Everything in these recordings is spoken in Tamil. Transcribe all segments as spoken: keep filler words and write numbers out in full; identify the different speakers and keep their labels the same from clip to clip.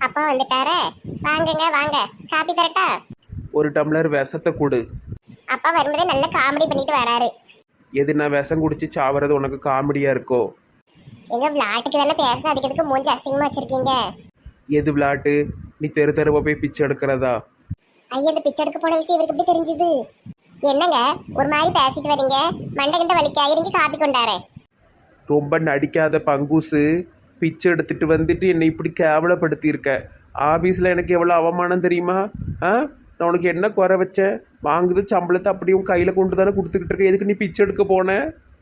Speaker 1: அப்பா வந்துட்டாரே. வாங்குங்க வாங்க, காப்பி தரட்டா?
Speaker 2: ஒரு டம்ளர் விஷத்தை கொடு.
Speaker 1: அப்பா வரும்போதே நல்ல காமெடி பண்ணிட்டு வராரு.
Speaker 2: எது நான் விஷம் குடிச்சு சாவறது உனக்கு காமெடியா இருக்கோ?
Speaker 1: எங்க விளையாட்டுக்கு தானே பேசணும், அதுக்கு எதுக்கு மூஞ்சி அசிங்கமா வச்சிருக்கீங்க?
Speaker 2: எது விளையாட்டு? நீ தெரு தெருவா போய் பிச்சை எடுக்கிறதா?
Speaker 1: ஐயா, இந்த பிச்சை எடுக்க போன விஷயம் இவருக்கு எப்படி தெரிஞ்சுது? என்னங்க ஒரு மாதிரி பேசிட்டு வரீங்க? மண்டை கிட்ட வலிக்க இறங்கி காப்பி கொண்டாரே.
Speaker 2: ரொம்ப நடிக்காத பங்கூசு. பிச்சை எடுத்துட்டு வந்துட்டு என்னை இப்படி கேவலப்படுத்தியிருக்க. ஆஃபீஸில் எனக்கு எவ்வளோ அவமானம் தெரியுமா? ஆ, நான் உனக்கு என்ன குறை வச்சேன்? வாங்குது சம்பளத்தை அப்படியும் கையில் கொண்டு தானே கொடுத்துக்கிட்டு இருக்க. எதுக்கு நீ பிச்சை எடுக்க போன?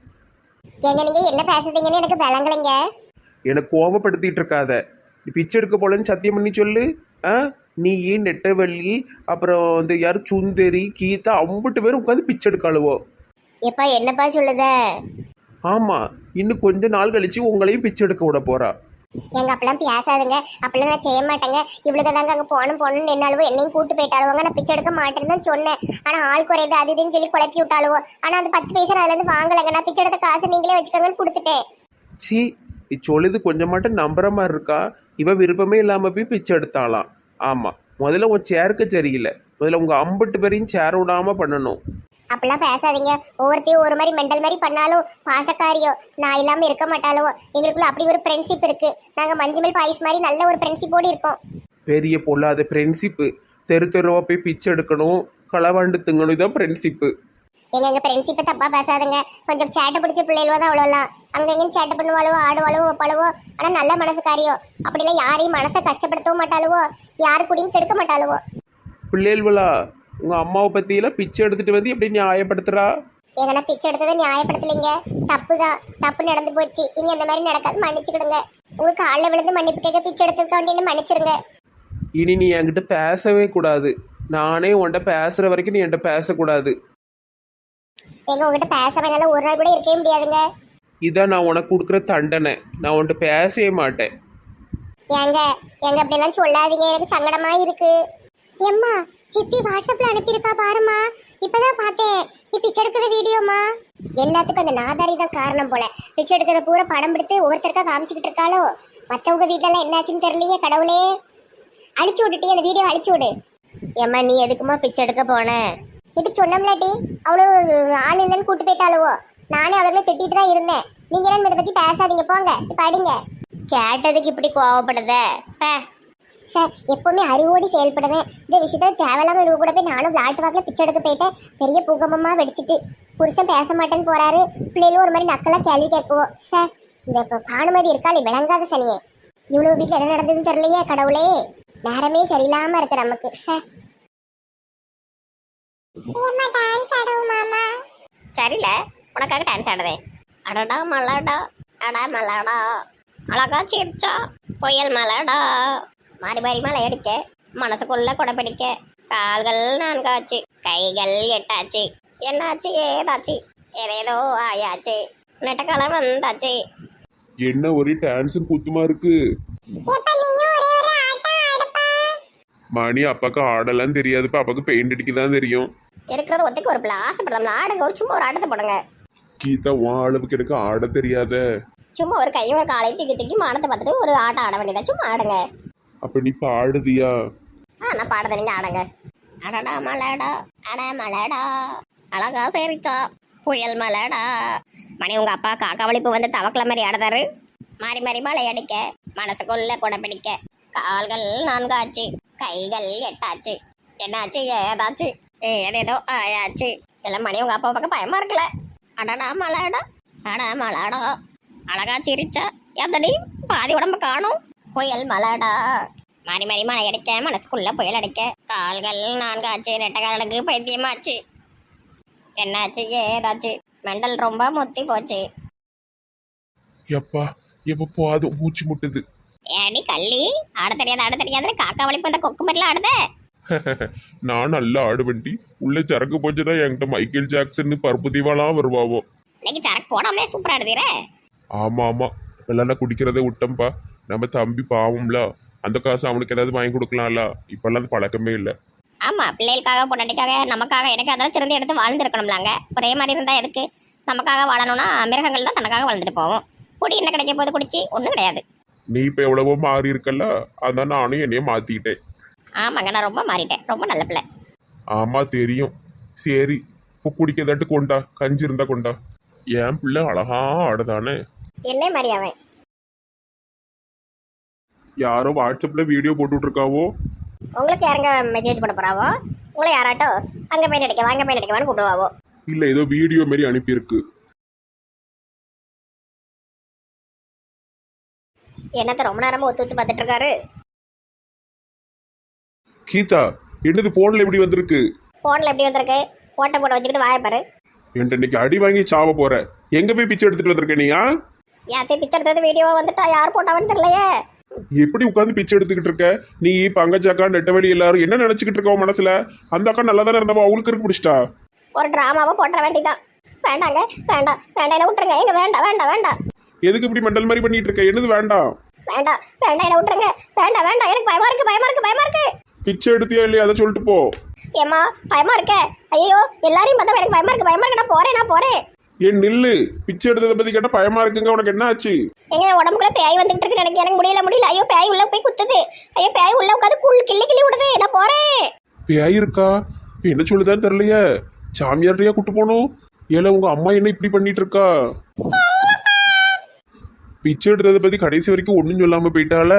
Speaker 1: ஏங்க நீங்க என்ன பேசுறீங்கன்னு எனக்கு விளங்கலைங்க.
Speaker 2: எனக்கு கோபப்படுத்திட்டு இருக்காத. நீ பிச்சை எடுக்க போலன்னு சத்தியம் பண்ணி சொல்லு. ஆ, நீ நெட்டவள்ளி அப்புறம் இந்த யார் சுந்தரி கீதா அம்பட்டு பேரும் உட்காந்து பிச்சை எடுக்காளுவோ.
Speaker 1: எப்பா என்னப்பா சொல்லுத?
Speaker 2: ஆமாம், இன்னும் கொஞ்ச நாள் கழிச்சு உங்களையும் பிச்சை எடுக்க விட போறா.
Speaker 1: எங்க அப்பெல்லாம் பேசாதுங்க, அப்பெல்லாம் நான் செய்ய மாட்டேங்க. இவ்வளவு தாங்க அங்க போகணும் போகணும்னு நின்னாலுவோ என்னையும் கூட்டு போயிட்டாளுவோங்க. நான் பிச்சை எடுக்க மாட்டேன்னு தான் சொன்னேன். ஆனா ஆள் குறையுது அது இதுன்னு சொல்லி குழப்பி விட்டாளுவோ. ஆனா அந்த பத்து பைசா அதுல இருந்து வாங்கலைங்க. நான் பிச்சை எடுத்த காசு நீங்களே வச்சுக்கோங்கன்னு கொடுத்துட்டேன்.
Speaker 2: சி, நீ சொல்லுது கொஞ்சம் மட்டும் நம்புற மாதிரி இருக்கா? இவ விருப்பமே இல்லாம போய் பிச்சை எடுத்தாலாம். ஆமா, முதல்ல உன் சேருக்கு சரியில்லை. முதல்ல உங்க அம்பட்டு பேரையும் சேர விடாம பண்ணணும்.
Speaker 1: அப்படிலாம் பேசாதீங்க. ஒவ்வொருத்தையும் ஒரு மாதிரி மெண்டல் மாதிரி பண்ணாலும் பாசக்காரியோ நான் இல்லாம இருக்க மாட்டாலோ. எங்களுக்குள்ள அப்படி ஒரு ஃப்ரெண்ட்ஷிப் இருக்கு. நாங்க மஞ்சுமல் பாய்ஸ் மாதிரி நல்ல ஒரு ஃப்ரெண்ட்ஷிப்போடு இருக்கோம்.
Speaker 2: பெரிய பொல்லாத ஃப்ரெண்ட்ஷிப்பு. தெரு தெருவா போய் பிச்சை எடுக்கணும், களவாண்டு திங்கணும், இதான் ஃப்ரெண்ட்ஷிப்பு.
Speaker 1: எங்க எங்க ஃப்ரெண்ட்ஷிப்பை தப்பா பேசாதுங்க. கொஞ்சம் சேட்டை பிடிச்ச பிள்ளைகளோ தான் அவ்வளோலாம். அங்கங்கன்னு சேட்டை பண்ணுவாளவோ ஆடுவாளவோ வைப்பாளவோ. ஆனா நல்ல மனசுக்காரியோ. அப்படிலாம் யாரையும் மனசை கஷ்டப்படுத்தவும் மாட்டாளுவோ, யாரு கூடயும் கெடுக்க மாட்டாளுவோ.
Speaker 2: பிள்ளைகளா உங்க அம்மாவை பத்தியெல்லாம் பிச்சை எடுத்துட்டு வந்து எப்படி நியாயப்படுத்துறா?
Speaker 1: எங்கன்னா பிச்சை எடுத்ததை நியாயப்படுத்தலைங்க. தப்பு தான், தப்பு நடந்து போச்சு. இனி அந்த மாதிரி நடக்காது, மன்னிச்சுக்கிடுங்க. உங்க காலில் விழுந்து மன்னிப்பு கேட்க பிச்சை எடுத்ததுக்கு வேண்டிய மன்னிச்சிருங்க.
Speaker 2: இனி நீ என்கிட்ட பேசவே கூடாது. நானே உன்கிட்ட பேசுற வரைக்கும் நீ என்கிட்ட பேசக்கூடாது.
Speaker 1: எங்க உங்ககிட்ட பேசாம என்னால ஒரு நாள் கூட இருக்கவே முடியாதுங்க.
Speaker 2: இதான் நான் உனக்கு கொடுக்குற தண்டனை. நான் உன்கிட்ட பேசவே மாட்டேன்.
Speaker 1: ஏங்க எங்க அப்படி எல்லாம் சொல்லாதீங்க, எனக்கு சங்கடமா இருக்கு. எம்மா சித்தி வாட்ஸ்அப்ல அனுப்பியிருக்கா பாருமா. இப்பதான் பார்த்தேன். நீ பிச்சை எடுக்கிற வீடியோமா. எல்லாத்துக்கும் அந்த நாதாரி தான் காரணம் போல. பிச்சை எடுக்கிறத பூரா படம் பிடித்து ஒவ்வொருத்தருக்கா காமிச்சுக்கிட்டு இருக்காளோ. மற்றவங்க வீட்டிலலாம் என்னாச்சுன்னு தெரியலையே கடவுளே. அழிச்சு விட்டுட்டி அந்த வீடியோ அழிச்சு விடு. ஏம்மா நீ எதுக்குமா பிச்சை எடுக்க போன? இது சொன்னோம்லாட்டி அவ்வளோ ஆள் இல்லைன்னு கூட்டு போயிட்டாளுவோ. நானே அவளுக்குள்ள திட்டிட்டு தான் இருந்தேன். நீங்க எல்லாம் இதை பத்தி பேசாதீங்க, போங்க படிங்க. கேட்டதுக்கு இப்படி கோவப்படுத சார். எப்பவுமே அறிவோடி செயல்படுவேன். இந்த விஷயத்த தேவையில்லாம இவங்க கூட போய் நானும் விளையாட்டு வாக்கில் பிச்சை எடுக்க போயிட்டேன். பெரிய பூகம்பமா வெடிச்சிட்டு புருஷன் பேச மாட்டேன்னு போறாரு. பிள்ளைகளும் ஒரு மாதிரி நக்கலா கேள்வி கேட்குவோம் சார். இந்த இப்போ பானுமதி இருக்காள் விளங்காத சனியே. இவ்வளவு வீட்டில் என்ன நடந்ததுன்னு தெரியலையே கடவுளே. நேரமே சரியில்லாம இருக்கு நமக்கு சார். சரியில்ல, உனக்காக டான்ஸ் ஆடுதே. அடடா மலாடா, அடா மலாடா, அழகா சிரிச்சா புயல் மலாடா. மாறி மாறி மலை அடிக்க, மனசுக்குள்ள கொடை பிடிக்க, கால்கள் நான்காச்சு, கைகள் எட்டாச்சு, என்னாச்சு ஏதாச்சு, ஏதேதோ ஆயாச்சு, நெட்டக்காலம் வந்தாச்சு.
Speaker 2: என்ன ஒரே டான்ஸும் குத்துமா இருக்கு. மணி அப்பாக்கு ஆடலாம் தெரியாதுப்பா. அப்பாக்கு பெயிண்ட் அடிக்க தான் தெரியும்.
Speaker 1: இருக்கிறது ஒத்துக்கு ஒரு பிள்ளை ஆசைப்படலாம். ஆடுங்க, ஒரு சும்மா ஒரு ஆட்டத்தை போடுங்க.
Speaker 2: கீதா உன் அளவுக்கு எனக்கு ஆட தெரியாத.
Speaker 1: சும்மா ஒரு கையும் ஒரு காலையும் தூக்கி தூக்கி மானத்தை பார்த்துட்டு ஒரு ஆட்டம் ஆட வேண்டியதா. சும்மா ஆடுங்க.
Speaker 2: அப்ப நீ பாடுதியா?
Speaker 1: ஆ நான் பாடுறத நீங்க ஆடுங்க. அடடா மலடா, அட மலடா, அழகா சரிச்சா புயல் மலடா. மணி உங்க அப்பா காக்கா வலிப்பு வந்து தவக்கல மாதிரி ஆடுதாரு. மாறி மாறி மலை அடிக்க, மனசுக்குள்ள கொடை பிடிக்க, கால்கள் நான்காச்சு, கைகள் எட்டாச்சு, என்னாச்சு ஏதாச்சு, ஏதேதோ ஆயாச்சு. எல்லாம் மணி உங்க அப்பா பக்கம் பயமா இருக்குல்ல. அடடா மலடா, அட மலடா, அழகா சிரிச்சா எத்தடி பாதி உடம்பு காணும் புயல் மலடா. மாறி மாறி மலை அடிக்க, மனசுக்குள்ள புயல் அடிக்க, கால்கள் நான்காச்சு, நெட்டக்காலுக்கு பைத்தியமாச்சு, என்னாச்சு ஏதாச்சு, மெண்டல் ரொம்ப முத்தி போச்சு.
Speaker 2: எப்பா எப்ப போதும், மூச்சு முட்டுது.
Speaker 1: ஏடி கள்ளி, ஆட தெரியாது ஆட தெரியாதுன்னு காக்கா வலிப்பு அந்த கொக்கு மாதிரிலாம் ஆடுத.
Speaker 2: நான் நல்லா ஆடுவண்டி. உள்ள சரக்கு போச்சுன்னா என்கிட்ட மைக்கேல் ஜாக்சன் பருப்பு தீவாலாம் வருவாவோ.
Speaker 1: இன்னைக்கு சரக்கு போடாமலே சூப்பரா ஆடுதீர.
Speaker 2: ஆமா ஆமா, வெள்ளம் குடிக்கிறத விட்டோம்ப்பா. நம்ம தம்பி பாவம்ல, அந்த காசு அவனுக்கு ஏதாவது வாங்கி கொடுக்கலாம்ல. இப்பெல்லாம் அது பழக்கமே இல்லை.
Speaker 1: ஆமா, பிள்ளைகளுக்காக பொண்டாட்டிக்காக நமக்காக எனக்கு அதெல்லாம் திருந்தி எடுத்து வாழ்ந்துருக்கணும்லாங்க. ஒரே மாதிரி இருந்தா எதுக்கு? நமக்காக வாழணும்னா மிருகங்கள் தான் தனக்காக வாழ்ந்துட்டு போவோம். குடி என்ன கிடைக்க போது குடிச்சு ஒன்றும் கிடையாது.
Speaker 3: நீ இப்போ எவ்வளவோ மாறி இருக்கல்ல, அதான் நானும் என்னைய மாத்திக்கிட்டேன்.
Speaker 1: ஆமாங்க, நான் ரொம்ப மாறிட்டேன், ரொம்ப நல்ல பிள்ளை.
Speaker 3: ஆமா தெரியும். சரி, இப்போ குடிக்கதாட்டு கொண்டா, கஞ்சி இருந்தா கொண்டா. என் பிள்ளை அழகா ஆடுதானே.
Speaker 1: என்ன மாதிரி அவன்?
Speaker 3: யாரோ வாட்ஸ்அப்ல வீடியோ போட்டுட்டு இருக்காவோ.
Speaker 1: உங்களுக்கு யாருங்க மெசேஜ் பண்ண போறாவோ? உங்களை யாராட்டோ அங்கே போய் நடிக்க வாங்க போய் நடிக்கவான்னு கூப்பிடுவாவோ?
Speaker 3: இல்ல ஏதோ வீடியோ மாதிரி அனுப்பியிருக்கு.
Speaker 1: என்னத்த ரொம்ப நேரமா ஒத்து ஒத்து பார்த்துட்டு இருக்காரு?
Speaker 3: கீதா, என்னது போன்ல எப்படி வந்திருக்கு?
Speaker 1: ஃபோனில் எப்படி வந்திருக்கு? போட்டோ போட்டு வச்சுக்கிட்டு வாயப்பாரு.
Speaker 3: என்கிட்ட இன்னைக்கு அடி வாங்கி சாவ போற. எங்க போய் பிச்சை எடுத்துட்டு வந்திருக்க நீயா?
Speaker 1: யாத்தையும் பிச்சை எடுத்தது வீடியோவா வந்துட்டா யார் போட்டாவன்னு தெரியலையே.
Speaker 3: எப்படி உட்காந்து பிச்சை எடுத்துக்கிட்டு இருக்க நீ? பங்கஜாக்கா நெட்டவெளி எல்லாரும் என்ன நினைச்சுக்கிட்டு இருக்க உன் மனசுல? அந்த அக்கா நல்லா தானே இருந்தவா, அவளுக்கு இருக்கு பிடிச்சிட்டா?
Speaker 1: ஒரு டிராமாவை போட்டுற வேண்டியதான். வேண்டாங்க, வேண்டாம் வேண்டாம், என்ன விட்டுருங்க. எங்க வேண்டாம் வேண்டாம் வேண்டாம்.
Speaker 3: எதுக்கு இப்படி மெண்டல் மாதிரி பண்ணிட்டு இருக்க? என்னது வேண்டாம்?
Speaker 1: வேண்டாம் வேண்டாம், என்ன விட்டுருங்க. வேண்டாம் வேண்டாம், எனக்கு பயமா இருக்கு பயமா இருக்கு பயமா இருக்கு.
Speaker 3: பிச்சை எடுத்தியா இல்லையா அதை சொல்லிட்டு போ.
Speaker 1: ஏமா பயமா இருக்க? ஐயோ எல்லாரையும் பார்த்தா எனக்கு பயமா இருக்கு பயமா இருக்கு. நான் போறேன் நான் போறேன்.
Speaker 3: ஏன் நில்லு. பிச்சை எடுத்ததை பத்தி கேட்டா பயமா இருக்குங்க. உனக்கு என்ன ஆச்சு?
Speaker 1: எங்க உடம்புக்குள்ள பேய் வந்துட்டு இருக்கு எனக்கு. எனக்கு முடியல முடியல. ஐயோ பேய் உள்ள போய் குத்துது. ஐயோ பேய் உள்ள உட்காந்து குள் கிள்ளி கிள்ளி விடுது. நான் போறேன்.
Speaker 3: பேய் இருக்கா? என்ன சொல்லுதான்னு தெரியலையே. சாமியார்டையா கூட்டு போகணும். ஏல உங்க அம்மா என்ன இப்படி பண்ணிட்டு இருக்கா? பிச்சை எடுத்ததை பத்தி கடைசி வரைக்கும் ஒன்றும் சொல்லாம போயிட்டால.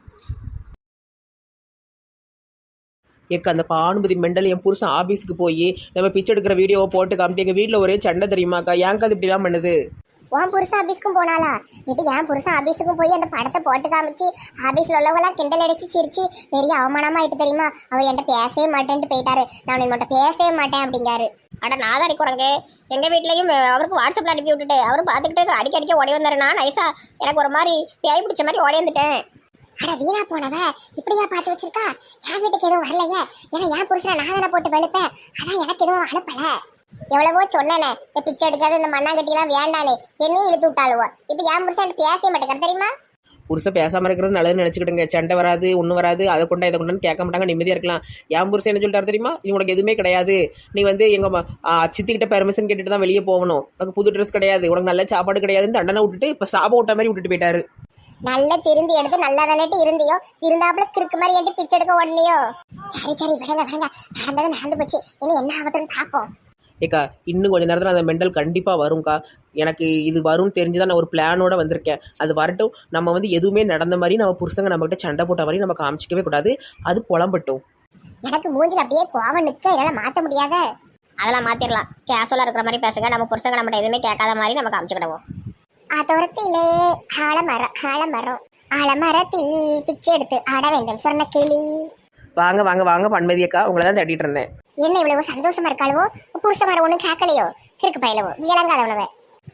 Speaker 2: ஏக்க அந்த பானுபதி மெண்டல் என் புருஷன் ஆஃபீஸுக்கு போய் நம்ம பிச்சை எடுக்கிற வீடியோவை போட்டு காமிட்டு எங்கள் வீட்டில் ஒரே சண்டை தெரியுமாக்கா. ஏங்க்கா அது இப்படிலாம் பண்ணுது?
Speaker 1: உன் புருஷன் ஆபீஸ்க்கும் போனாலா? இட்டு என் புருஷன் ஆபீஸுக்கும் போய் அந்த படத்தை போட்டு காமிச்சு ஆபீஸ்ல உள்ளவங்களாம் கிண்டல் அடிச்சு சிரிச்சு பெரிய அவமானமா ஆயிட்டு தெரியுமா? அவர் என்கிட்ட பேசவே மாட்டேன்ட்டு போயிட்டாரு. நான் உன்கிட்ட பேசவே மாட்டேன் அப்படிங்காரு. அட நாதாரி குரங்கு, எங்க வீட்லயும் அவருக்கு வாட்ஸ்அப்ல அனுப்பி விட்டுட்டு அவரும் பார்த்துக்கிட்டு அடிக்க அடிக்க ஓடி வந்தாரு. நான் நைஸா எனக்கு ஒரு மாதிரி பேய் பிடிச்ச மாதிரி ஓடி வந்துட்டேன். அட வீணா போனவ இப்படியா பார்த்து வச்சிருக்கா? என் வீட்டுக்கு எதுவும் வரலையே. ஏன்னா என் புருஷனை நான் தானே போட்டு வெளுப்பேன். அதான் எனக்கு எதுவும் அனுப்பல. எவ்வளவோ சொன்னேனே இந்த பிச்சை எடுக்காது இந்த மண்ணாங்கட்டிலாம் வேண்டானே, என்னையும் இழுத்து விட்டாளுவோ. இப்போ என் புருஷன் பேசவே மாட்டேங்கிறார் தெரியுமா?
Speaker 2: புருஷன் பேசாமல் இருக்கிறது நல்லதுன்னு நினச்சிக்கிட்டுங்க. சண்டை வராது ஒன்றும் வராது, அதை கொண்டா இதை கொண்டான்னு கேட்க மாட்டாங்க, நிம்மதியாக இருக்கலாம். என் புருஷன் என்ன சொல்லிட்டாரு தெரியுமா? நீ உனக்கு எதுவுமே கிடையாது, நீ வந்து எங்கள் சித்திக்கிட்ட பெர்மிஷன் கேட்டுட்டு தான் வெளியே போகணும், உனக்கு புது ட்ரெஸ் கிடையாது, உனக்கு நல்ல சாப்பாடு கிடையாதுன்னு தண்டனை விட்டுட்டு இப்போ சாபம் விட்ட மாதிரி விட்டுட்டு போயிட்டாரு.
Speaker 1: நல்ல திருந்தி எடுத்து நல்லா தானே இருந்தியோ, இருந்தாப்புல கிறுக்கு மாதிரி என்கிட்ட பிச்சை எடுக்க உடனேயோ. சரி சரி விடுங்க விடுங்க, நடந்தது நடந்து போச்சு, இனி என்ன ஆகட்டும்னு பார்ப்போம்.
Speaker 2: ஏக்கா இன்னும் கொஞ்சம் நேரத்தில் அந்த மெண்டல் கண்டிப்பாக வரும்க்கா. எனக்கு இது வரும்னு தெரிஞ்சு தான் நான் ஒரு பிளானோட வந்திருக்கேன். அது வரட்டும். நம்ம வந்து எதுவுமே நடந்த மாதிரி நம்ம புருஷங்க நம்மகிட்ட சண்டை போட்ட மாதிரி நம்ம காமிச்சிக்கவே கூடாது. அது புலம்பட்டும்.
Speaker 1: எனக்கு மூஞ்சில் அப்படியே கோவம் நிற்க என்னால் மாற்ற முடியாத. அதெல்லாம் மாற்றிடலாம். கேஷுவலாக இருக்கிற மாதிரி பேசுங்க. நம்ம புருஷங்க நம்மகிட்ட எதுவுமே கேட்காத மாதிரி நம்ம காமிச்சுக்கிடுவோம். அதோரத்திலே ஆலமரம் ஆலமரம் ஆலமரத்தில் பிச்சை எடுத்து ஆட வேண்டும் சொன்ன கிளி.
Speaker 2: வாங்க வாங்க வாங்க பன்மதியக்கா, உங்களை தான் தேடிட்டு இருந்தேன்.
Speaker 1: என்ன இவ்வளவு சந்தோஷமா இருக்காளவோ? புருஷ மாதிரி ஒன்றும் கேட்கலையோ? கிறுக்கு பயிலவோ விளங்காதவளவ.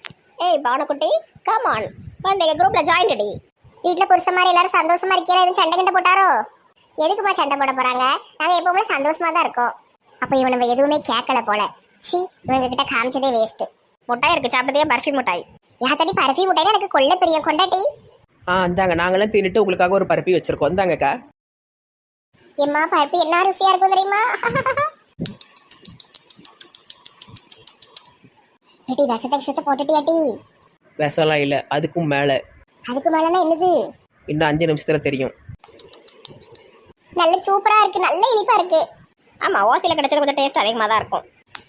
Speaker 1: ஏய் பானுக்குட்டி கமான் வந்து எங்கள் குரூப்பில் ஜாயின் அடி. வீட்டில் புருஷ மாதிரி எல்லாரும் சந்தோஷமா இருக்கீங்களா? எதுவும் சண்டை கிட்ட போட்டாரோ? எதுக்குப்பா சண்டை போட போகிறாங்க? நாங்கள் எப்பவுமே சந்தோஷமா தான் இருக்கோம். அப்போ இவனுங்க எதுவுமே கேட்கல போல. சி இவங்க கிட்ட காமிச்சதே வேஸ்ட்டு. முட்டாய் இருக்கு சாப்பிட்டதே பர்ஃபி முட்டாய். யாத்தடி பர்ஃபி முட்டாய்னா எனக்கு கொள்ள பெரிய கொண்டாட்டி.
Speaker 2: ஆ இந்தாங்க, நாங்களாம் தின்னுட்டு உங்களுக்காக ஒரு பருப்பி வச்சிருக்கோம். இந்தாங்கக்கா.
Speaker 1: எம்மா பருப்பி என்ன ருசியா இருக்கும் தெரியுமா? ஏட்டி விஷத்தை விஷத்தை போட்டுட்டியாட்டி?
Speaker 2: விஷம்லாம் இல்லை, அதுக்கும் மேலே.
Speaker 1: அதுக்கு மேலனா என்னது?
Speaker 2: இன்னும் அஞ்சு நிமிஷத்துல தெரியும்.
Speaker 1: நல்ல சூப்பரா இருக்கு, நல்ல இனிப்பா இருக்கு. ஆமா ஓசில கிடைச்சது கொஞ்சம் டேஸ்ட் அதிகமா தான் இருக்கும்.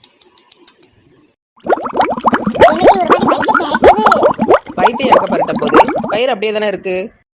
Speaker 1: இன்னைக்கு ஒரு மாதிரி வயிற்று பெரட்டுது.
Speaker 2: வயிற்று எங்க பரட்ட போகுது? வயிறு அப்படியே தானே இருக்கு.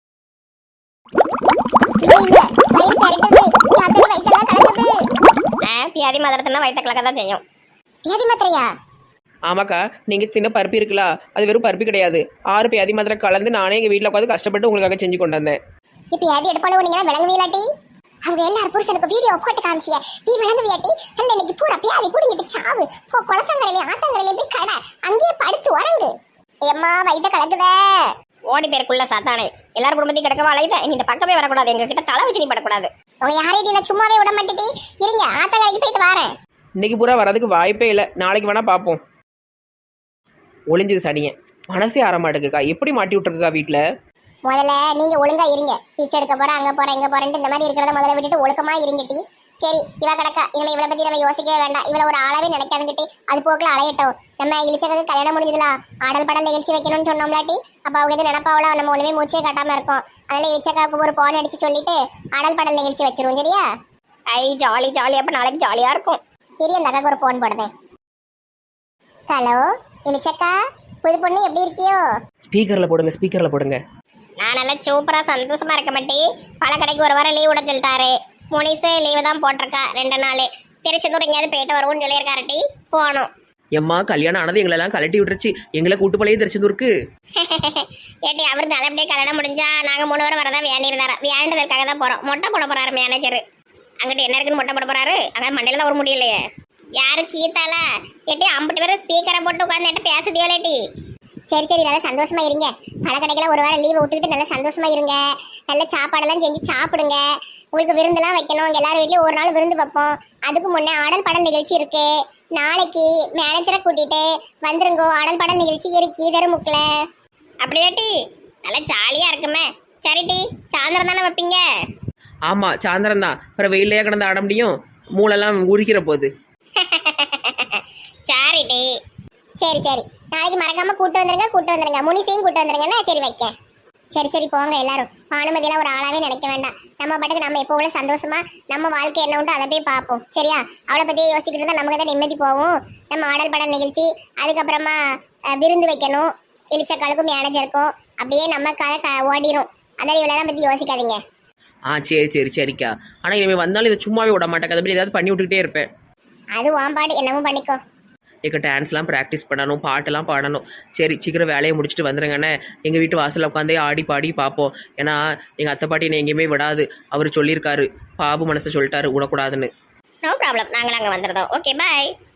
Speaker 1: இல்ல இல்ல வயிறு பெரட்டுது. யாத்தடி வயித்தெல்லாம் கலக்குது. ஆ பியாதி மாத்திரத்துனா வயிற்று கலக்க தான் செய்யும். பியாதி மாத்திரையா?
Speaker 2: ஆமாக்கா, நீங்க சின்ன பருப்பி இருக்குல்ல, அது வெறும் பருப்பி கிடையாது. ஆறு பியாதி மாத்திரை கலந்து நானே எங்க வீட்டில் உட்காந்து கஷ்டப்பட்டு உங்களுக்காக செஞ்சு கொண்டு வந்தேன்.
Speaker 1: இப்போ பியாதி எடுப்பாளோ நீங்க விளங்குவீலாட்டி? அவங்க எல்லாரும் புருஷனுக்கு வீடியோ போட்டு காமிச்சிய நீ விளங்குவியாட்டி? நல்ல இன்னைக்கு பூரா பியாதி புடிங்கிட்டு சாவு போ. குளத்தங்கரையிலே ஆத்தங்கரையிலே போய் கடை அங்கேயே படுத்து உறங்கு. எம்மா வயிற்ற கலக்குதே. ஓடி பேருக்குள்ள சாத்தானே எல்லாரும் குடும்பத்தையும் கிடக்கவா அழைத. நீ இந்த பக்கமே வரக்கூடாது, எங்க கிட்ட தலை வச்சு நீ படக்கூடாது. உங்க யாரையும் நான் சும்மாவே விட மாட்டேட்டி. இருங்க ஆத்தங்கரைக்கு போயிட்டு வரேன்.
Speaker 2: இன்னைக்கு பூரா வரதுக்கு வாய்ப்பே இல்லை, நாளைக்கு வேணா பார்ப்போம். ஒளிஞ்சது சனியன் மனசே ஆற மாட்டேங்குக்கா. எப்படி மாட்டி விட்டுருக்கா வீட்டில்?
Speaker 1: முதல்ல நீங்க ஒழுங்கா இருங்க. பிச்சை எடுக்க போறேன் அங்க போறேன் இங்க போறேன்ட்டு இந்த மாதிரி இருக்கிறத முதல்ல விட்டுட்டு ஒழுக்கமா இருங்கட்டி. சரி இவ கிடக்கா, இனிமே இவளை பத்தி நம்ம யோசிக்கவே வேண்டாம். இவளை ஒரு ஆளாவே நினைக்காதுங்கிட்டு அது போக்குல அலையட்டும். நம்ம இழிச்சக்கு கல்யாணம் முடிஞ்சதுல ஆடல் பாடல் நிகழ்ச்சி வைக்கணும்னு சொன்னோம்லாட்டி அப்ப அவங்க எது நினைப்பாவளோ நம்ம ஒண்ணுமே மூச்சே காட்டாம இருக்கோம். அதனால இழிச்சக்காவுக்கு ஒரு போன் அடிச்சு சொல்லிட்டு ஆடல் பாடல் நிகழ்ச்சி வச்சிருவோம். சரியா? ஐ ஜாலி ஜாலி. அப்ப நாளைக்கு ஜாலியா இருக்கும். சரி அந்த அக்காக்கு ஒரு போன் போடுதேன். ஹலோ இழிச்சக்கா, புது பொண்ணு எப்படி இருக்கியோ?
Speaker 4: ஸ்பீக்கரில் போடுங்க ஸ்பீக்கரில் போடுங்க.
Speaker 1: நான் நல்லா சூப்பராக பழ கடைக்கு பல கடைக்கு ஒரு வாரம் லீவ் விட சொல்லிட்டாரு. முனிசு லீவு தான் போட்டிருக்கா ரெண்டு நாள். திருச்செந்தூர் எங்கேயாவது போயிட்டு வருவோம்னு சொல்லியிருக்காருட்டி. போகணும்.
Speaker 4: எம்மா கல்யாணம் ஆனது எங்களெல்லாம் கலட்டி விட்டுருச்சு. எங்களை கூட்டு போலயே திருச்செந்தூருக்கு.
Speaker 1: ஏட்டி அவர் நல்லபடியே கல்யாணம் முடிஞ்சா நாங்கள் மூணு பேரும் வரதான் வேண்டியிருந்தாரா. வேண்டதற்காக தான் போகிறோம். மொட்டை போட போகிறாரு மேனேஜர். அங்கிட்டு என்ன இருக்குன்னு மொட்டை போட போகிறாரு. அங்கே மண்டையில் தான் ஒரு முடியலையே. யாரு கீத்தால? ஏட்டி ஐம்பது பேரும் ஸ்பீக்கரை போட்டு உட்காந்து என்கிட்ட பேசுதியோலேட்டி. சரி சரி நல்லா சந்தோஷமா இருங்க. பல கடைகளை ஒரு வாரம் லீவை விட்டுக்கிட்டு நல்லா சந்தோஷமா இருங்க. நல்ல சாப்பாடெல்லாம் செஞ்சு சாப்பிடுங்க. உங்களுக்கு விருந்தெல்லாம் வைக்கணும். உங்க எல்லாரும் வீட்லயும் ஒரு நாள் விருந்து வைப்போம். அதுக்கு முன்னே ஆடல் பாடல் நிகழ்ச்சி இருக்கு. நாளைக்கு மேனேஜரை கூட்டிட்டு வந்துருங்கோ. ஆடல் பாடல் நிகழ்ச்சி இருக்கு தருமுக்குல. அப்படியாட்டி நல்லா ஜாலியா இருக்குமே. சரிட்டி சாயந்தரம் தானே வைப்பீங்க?
Speaker 4: ஆமாம் சாயந்தரம் தான். அப்புறம் வெயிலையே கிடந்து ஆட முடியும்? மூளெல்லாம் உரிக்கிற போது.
Speaker 1: சரிட்டி சரி சரி நாளைக்கு மறக்காம கூட்டு வந்துருங்க. கூட்டு வந்துருங்க. முனிசையும் கூட்டு வந்துருங்கன்னா சரி வைக்க. சரி சரி போங்க எல்லாரும். பானுமதியெல்லாம் ஒரு ஆளாவே நினைக்க வேண்டாம். நம்ம பாட்டுக்கு நம்ம எப்போ உள்ள சந்தோஷமா நம்ம வாழ்க்கை என்ன உண்டு அதை போய் பார்ப்போம். சரியா? அவளை பத்தி யோசிச்சுக்கிட்டு இருந்தா நமக்கு தான் நிம்மதி போகும். நம்ம ஆடல் பாடல் நிகழ்ச்சி அதுக்கப்புறமா விருந்து வைக்கணும். இளிச்சக்காலுக்கும் மேனேஜருக்கும் அப்படியே நம்ம கதை க ஓடிரும். அதனால இவளெல்லாம் பத்தி யோசிக்காதீங்க.
Speaker 4: ஆ சரி சரி சரிக்கா. ஆனால் இனிமேல் வந்தாலும் இதை சும்மாவே விட மாட்டேன். அதை பற்றி ஏதாவது பண்ணி விட்டுக்கிட்டே இருப்பேன்.
Speaker 1: அது வாம்பாடு என்னமோ பண்ணிக்கோ.
Speaker 4: எங்கள் டான்ஸ்லாம் ப்ராக்டிஸ் பண்ணணும், பாட்டெல்லாம் பாடணும். சரி சீக்கிரம் வேலையை முடிச்சுட்டு வந்துடுங்கண்ணே. எங்கள் வீட்டு வாசலில் உட்காந்தே ஆடி பாடி பார்ப்போம். ஏன்னா எங்கள் அத்தை பாட்டி என்னை எங்கேயுமே விடாது. அவர் சொல்லியிருக்காரு, பாபு மனசை சொல்லிட்டாரு விடக்கூடாதுன்னு.
Speaker 1: No problem. நாங்கள் அங்கே வந்துடுறோம். ஓகே பாய்.